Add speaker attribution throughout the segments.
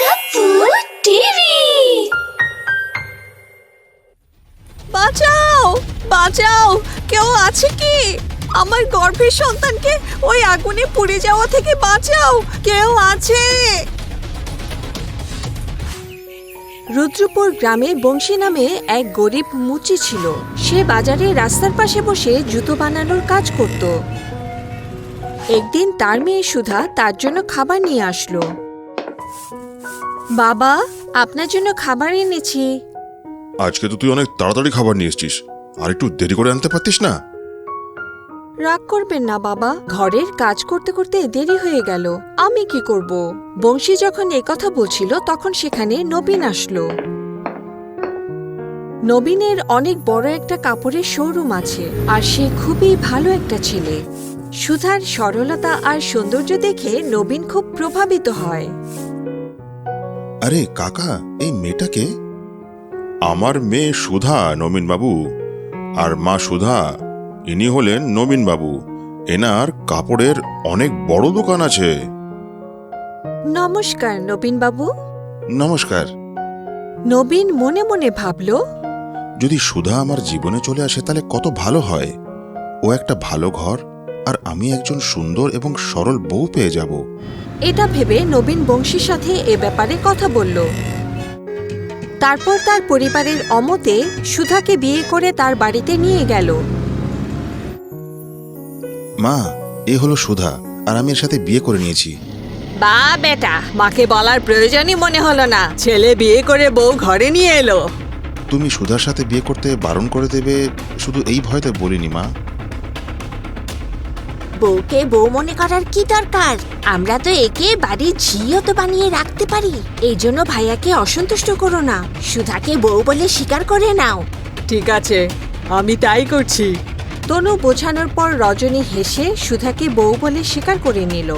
Speaker 1: আপু টিভি।
Speaker 2: বাঁচাও বাঁচাও, কেউ আছে কি? আমার গর্ভের সন্তানকে ওই আগুনে পুড়ে যাওয়া থেকে বাঁচাও, কেউ আছে? রুদ্রপুর গ্রামে বংশী নামে এক গরিব মুচি ছিল। সে বাজারে রাস্তার পাশে বসে জুতো বানানোর কাজ করত। একদিন তার মেয়ে সুধা তার জন্য খাবার নিয়ে আসলো। বাবা, আপনার জন্য খাবার এনেছি।
Speaker 3: আজকে তো তুই অনেক তাড়াতাড়ি খাবার নিয়ে এসেছিস, আর একটু দেরি করে আনতে পারতিস না?
Speaker 2: রাগ করবেন না বাবা, ঘরের কাজ করতে করতে দেরি হয়ে গেল, আমি কি করব? বংশী যখন একথা বলছিল তখন সেখানে নবীন আসলো। নবীনের অনেক বড় একটা কাপড়ের শোরুম আছে, আর সে খুবই ভালো একটা ছেলে। সুধার সরলতা আর সৌন্দর্য দেখে নবীন খুব প্রভাবিত হয়।
Speaker 3: আরে কাকা, এই মেয়েটাকে? আমার মেয়ে সুধা, নবীন বাবু। আর মা সুধা, ইনি হলেন নবীন বাবু। এনার কাপড়ের অনেক বড় দোকান আছে।
Speaker 2: নমস্কার নবীন বাবু।
Speaker 3: নমস্কার।
Speaker 2: নবীন মনে মনে ভাবল,
Speaker 3: যদি সুধা আমার জীবনে চলে আসে তাহলে কত ভালো হয়। ও একটা ভালো ঘর, আর আমি একজন সুন্দর এবং সরল বউ পেয়ে যাব।
Speaker 2: এটা ভেবে নবীন বংশীর সাথে এ ব্যাপারে কথা বলল। তারপর তার পরিবারের অমতে সুধাকে বিয়ে করে তার বাড়িতে নিয়ে গেল।
Speaker 3: মা, এ হলো সুধা, আর আমি এর সাথে বিয়ে করে নিয়েছি।
Speaker 2: বা বেটা, মাকে বলার প্রয়োজনই মনে হলো না, ছেলে বিয়ে করে বউ ঘরে নিয়ে এলো।
Speaker 3: তুমি সুধার সাথে বিয়ে করতে বারণ করে দেবে শুধু এই ভয়তে বলিনি মা।
Speaker 1: বউকে বউ মনে করার কি দরকার? আমরা তো একে বাড়ির ঝিও তো বানিয়ে রাখতে পারি। এই জন্য ভাইয়াকে অসন্তুষ্ট করো না, সুধাকে বউ বলে স্বীকার করে নাও।
Speaker 2: ঠিক আছে, আমি তাই করছি। তনু বোঝানোর পর রজনী হেসে সুধাকে বউ বলে স্বীকার করে নিল।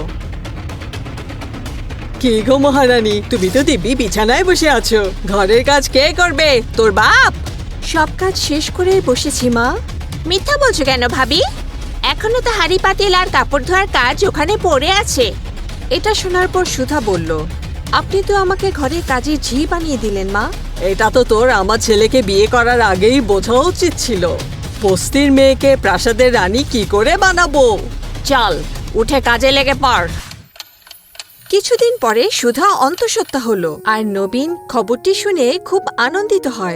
Speaker 2: কি গো মহারানী, তুমি তো দিব্যি বিছানায় বসে আছো, ঘরের কাজ কে করবে? তোর বাপ। সব কাজ শেষ করে বসেছি মা।
Speaker 1: মিথ্যা বলছো কেন ভাবি? এখনো তো হাঁড়ি পাতিল আর কাপড় ধোয়ার কাজ ওখানে পড়ে আছে।
Speaker 2: এটা শোনার পর সুধা বলল, আপনি তো আমাকে ঘরে কাজের ঝি বানিয়ে দিলেন মা। এটা তো তোর আমার ছেলেকে বিয়ে করার আগেই বোঝা উচিত ছিল। বস্তির মেয়েকে প্রাসাদের রানী কি করে বানাবো? চল, উঠে কাজে লেগে পড়। কিছুদিন পরে সুধা অন্তঃসত্ত্বা হলো, আর নবীন খবরটি শুনে খুব আনন্দিত হয়।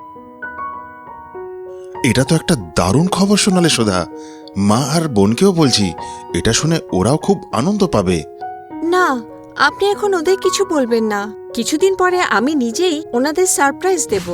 Speaker 3: এটা তো একটা দারুণ খবর শোনালে সুধা। মা আর বোনকেও বলছি, এটা শুনে ওরাও খুব আনন্দ পাবে।
Speaker 2: না, আপনি এখন ওদের কিছু বলবেন না। কিছুদিন পরে আমি নিজেই ওনাদের সারপ্রাইজ দেব।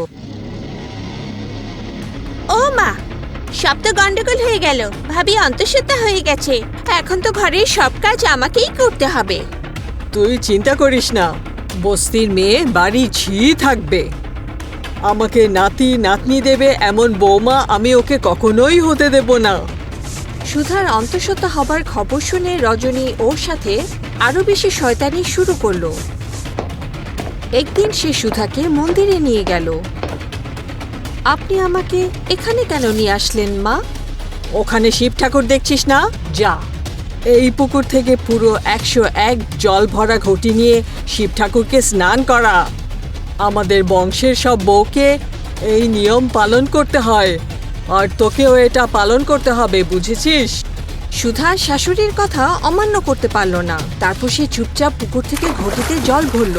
Speaker 1: ও মা, সব তো গন্ডগোল হয়ে গেল। ভাবি অন্তঃসত্ত্বা হয়ে গেছে, এখন তো ঘরের সব কাজ আমাকেই করতে হবে।
Speaker 2: তুই চিন্তা করিস না, বস্তির মেয়ে বাড়ি ঝি থাকবে। আমাকে নাতি নাতনি দেবে এমন বৌমা আমি ওকে কখনোই হতে দেব না। সুধার অন্তঃসত্ত্বা হবার খবর শুনে রজনী ওর সাথে আরো বেশি শয়তানি শুরু করলো। একদিন সে সুধাকে মন্দিরে নিয়ে গেল। আপনি আমাকে এখানে কেন নিয়ে আসলেন মা? ওখানে শিব ঠাকুর দেখছিস না? যা, এই পুকুর থেকে পুরো 101 জল ভরা ঘটি নিয়ে শিব ঠাকুরকে স্নান করা। আমাদের বংশের সব বউকে এই নিয়ম পালন করতে হয়, আর তোকেও এটা পালন করতে হবে, বুঝেছিস? সুধা শাশুড়ির কথা অমান্য করতে পারল না। তারপর সে চুপচাপ পুকুর থেকে ঘটিতে জল ভরল।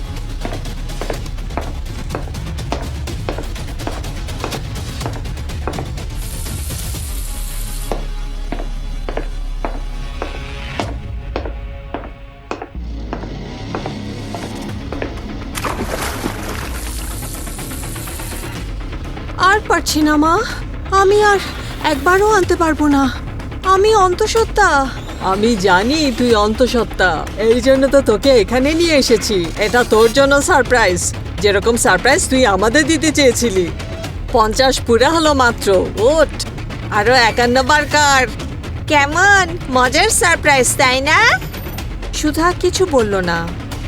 Speaker 2: আর পারছি না মা, আমি আর একবারও আনতে পারবো না। আমি অন্তঃসত্ত্বা। আমি জানি তুই অন্তঃসত্ত্বা, এই জন্য তো তোকে এখানে নিয়ে এসেছি। এটা তোর জন্য সারপ্রাইজ, যেরকম সারপ্রাইজ তুই আমাদের দিতে চেয়েছিলি। 50 পুরা হলো মাত্র, ওঠ। আরো 51 বার কার।
Speaker 1: কেমন মজার সারপ্রাইজ, তাই না?
Speaker 2: সুধা কিছু বলল না,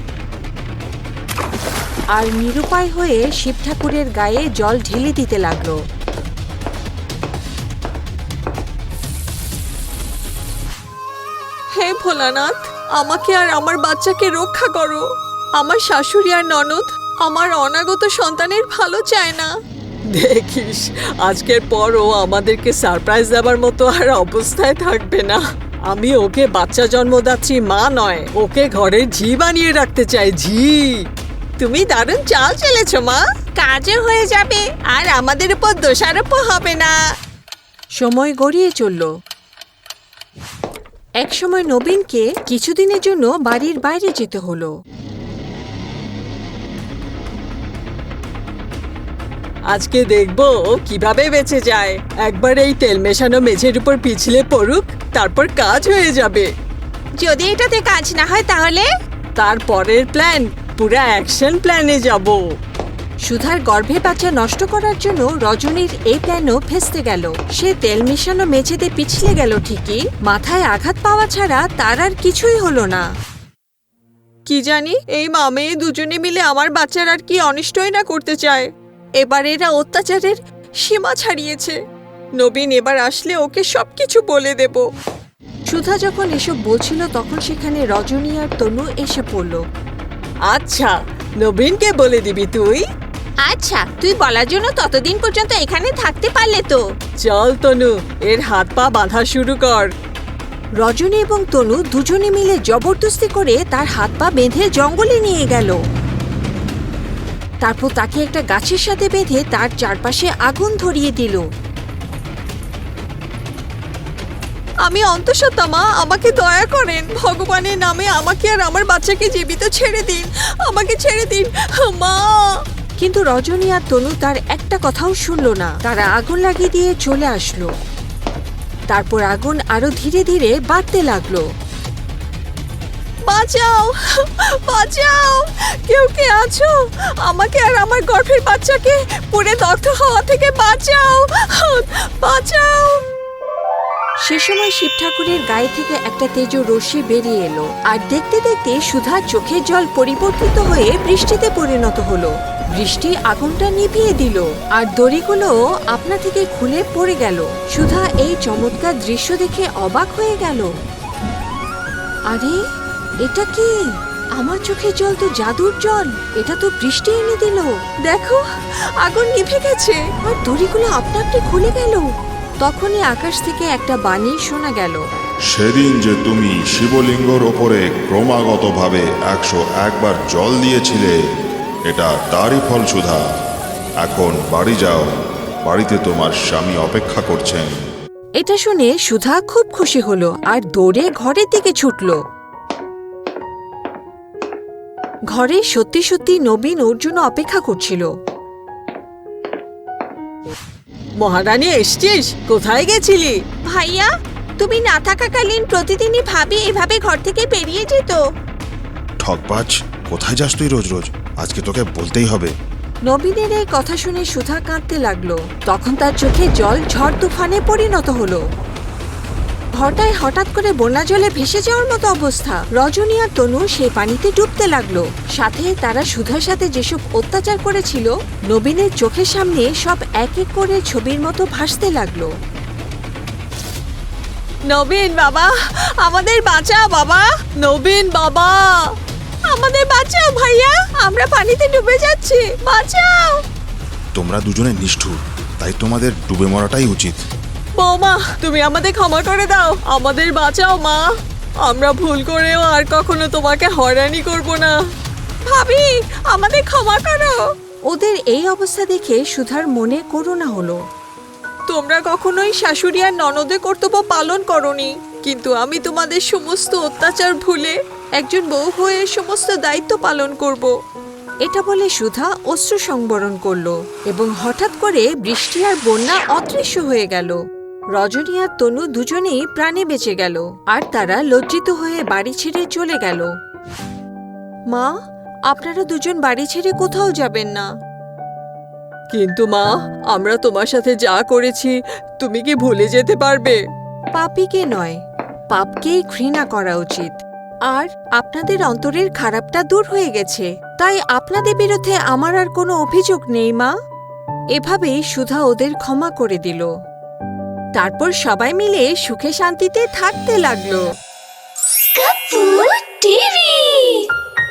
Speaker 2: আর নিরুপায় হয়ে শিব ঠাকুরের গায়ে জল ঢেলে দিতে লাগলো। হে ভোলানাথ, আমাকে আর আমার বাচ্চাকে রক্ষা করো। আমার শাশুড়ি আর ননদ আমার অনাগত সন্তানের ভালো চায় না। দেখিস, আজকের পর ও আমাদেরকে সারপ্রাইজ দেবার মতো আর অবস্থায় থাকবে না। আমি ওকে বাচ্চা জন্মদাত্রী মা নয়, ওকে ঘরের ঝি বানিয়ে রাখতে চাই, ঝি। তুমি দারুণ চাল চেলেছ মা,
Speaker 1: কাজও হয়ে যাবে আর আমাদের উপর দোষারোপও হবে না। সময় গড়িয়ে চলল। একসময় নবীনকে কিছুদিনের জন্য বাড়ির বাইরে যেতে হলো।
Speaker 2: আজকে দেখবো ও কিভাবে বেঁচে যায়। একবার এই তেল মেশানো মেঝের উপর পিছলে পড়ুক, তারপর কাজ হয়ে যাবে।
Speaker 1: যদি এটাতে কাজ না হয় তাহলে?
Speaker 2: তারপরের প্ল্যান, পুরা অ্যাকশন প্ল্যানে যাব।
Speaker 1: সুধার গর্ভে বাচ্চা নষ্ট করার জন্য রজনীর এই প্ল্যানও ফেস্তে গেল। সে তেল মেশানো মেঝেতে পিছলে গেল ঠিকই, মাথায় আঘাত পাওয়া ছাড়া তার আর কিছুই হলো না।
Speaker 2: কি জানি এই মা মেয়ে দুজনে মিলে আমার বাচ্চার আর কি অনিষ্টই না করতে চায়। এবার এরা অত্যাচারের সীমা ছাড়িয়েছে। নবীন এবার আসলে ওকে সবকিছু বলে দেব।
Speaker 1: সুধা যখন এসব বলছিল তখন সেখানে রজনী আর তনু এসে পড়ল।
Speaker 2: আচ্ছা, নবীনকে বলে দিবি তুই?
Speaker 1: আচ্ছা, তুই বলার জন্য ততদিন পর্যন্ত এখানে থাকতে পারলে তো।
Speaker 2: চল তনু, এর হাত পা বাঁধা শুরু কর।
Speaker 1: রজনী এবং তনু দুজনে মিলে জবরদস্তি করে তার হাত পা বেঁধে জঙ্গলে নিয়ে গেল। তারপর তাকে একটা গাছের সাথে বেঁধে তার চারপাশে আগুন ধরিয়ে দিল।
Speaker 2: আমি অন্তঃসত্ত্বা মা, আমাকে দয়া করেন। ভগবানের নামে আমাকে আর আমার বাচ্চাকে জীবিত ছেড়ে দিন, আমাকে ছেড়ে দিন মা।
Speaker 1: কিন্তু রজনী আর তনু তার একটা কথাও শুনল না। তারা আগুন লাগিয়ে দিয়ে চলে আসলো। তারপর আগুন আরো ধীরে ধীরে বাড়তে লাগলো।
Speaker 2: বাঁচাও, বাঁচাও, কেউ কে আছো? আমাকে আর আমার গর্ভের বাচ্চাকে পুড়ে দগ্ধ হওয়া থেকে বাঁচাও, বাঁচাও।
Speaker 1: সে সময় শিব ঠাকুরের গায়ে থেকে একটা তেজ রশ্মি বেরিয়ে এলো, আর দেখতে দেখতে সুধার চোখের জল পরিবর্তিত হয়ে বৃষ্টিতে পরিণত হলো। বৃষ্টি আগুনটা নিভিয়ে দিল, আর দড়িগুলো আপনা থেকে খুলে পড়ে গেল। সুধা এই চমৎকার দৃশ্য দেখে অবাক হয়ে গেল। আরে, এটা কি? আমার চোখের জল তো জাদুর জল, এটা তো বৃষ্টি এনে দিল।
Speaker 2: দেখো, আগুন নিভে গেছে
Speaker 1: আর দড়িগুলো আপনা আপনি খুলে গেল। তখনই আকাশ থেকে একটা বাণী শোনা গেল।
Speaker 3: সেদিন যে তুমি শিবলিঙ্গর ওপরে ক্রমাগতভাবে 101 বার জল দিয়েছিলে, এটা তারই ফল সুধা। এখন বাড়ি যাও, বাড়িতে তোমার স্বামী অপেক্ষা করছেন।
Speaker 1: এটা শুনে সুধা খুব খুশি হলো আর দৌড়ে ঘরের দিকে ছুটল। ঘরে সত্যি সত্যি নবীন ওর জন্য অপেক্ষা করছিল।
Speaker 2: মহারানী, এসছিস? কোথায় গেছিলি?
Speaker 1: ভাইয়া, তুমি না থাকাকালীন প্রতিদিনই ভাবি এভাবে ঘর থেকে বেরিয়ে যেত।
Speaker 3: ঠকবাজ, কোথায় যাস তুই রোজ রোজ? আজকে তোকে বলতেই হবে।
Speaker 1: নবীনের এই কথা শুনে সুধা কাঁদতে লাগলো। তখন তার চোখে জল ঝড় তুফানে পরিণত হলো। ঘরটায় হঠাৎ করে বন্যা জলে ভেসে যাওয়ার মতো অবস্থা। রজনী আর তনু সেই পানিতে ডুবতে লাগলো। সাথে তারা সুধার সাথে যেসব অত্যাচার করেছিল, নবীনের চোখের সামনে সব এক এক করে ছবির মতো ভাসতে লাগলো।
Speaker 2: নবীন বাবা, আমাদের বাঁচাও বাবা। নবীন বাবা, আমাদের বাঁচাও ভাইয়া, আমরা পানিতে ডুবে যাচ্ছি, বাঁচাও।
Speaker 3: তোমরা দুজনে নিষ্ঠুর, তাই তোমাদের ডুবে মরাটাই উচিত।
Speaker 2: বৌমা, তুমি আমাদের ক্ষমা করে দাও, আমাদের বাঁচাও মা। আমরা ভুল করেও আর কখনো তোমাকে হয়রানি করব না। ভাবি, আমাদের ক্ষমা করো।
Speaker 1: ওদের এই অবস্থা দেখে সুধার মনে করুণা হলো।
Speaker 2: তোমরা কখনোই শাশুড়ি আর ননদের কর্তব্য পালন করনি, কিন্তু আমি তোমাদের সমস্ত অত্যাচার ভুলে একজন বউ হয়ে সমস্ত দায়িত্ব পালন করব।
Speaker 1: এটা বলে সুধা অশ্রু সংবরণ করলো এবং হঠাৎ করে বৃষ্টি আর বন্যা অদৃশ্য হয়ে গেল। রজনী আর তনু দুজনেই প্রাণে বেঁচে গেল, আর তারা লজ্জিত হয়ে বাড়ি ছেড়ে চলে গেল। মা, আপনারা দুজন বাড়ি ছেড়ে কোথাও যাবেন না।
Speaker 2: কিন্তু মা, আমরা তোমার সাথে যা করেছি তুমি কি ভুলে যেতে পারবে?
Speaker 1: পাপীকে নয়, পাপকেই ঘৃণা করা উচিত। আর আপনাদের অন্তরের খারাপটা দূর হয়ে গেছে, তাই আপনাদের বিরুদ্ধে আমার আর কোনো অভিযোগ নেই মা। এভাবেই সুধা ওদের ক্ষমা করে দিল। তারপর সবাই মিলে সুখে শান্তিতে থাকতে লাগলো।
Speaker 4: Kapoor TV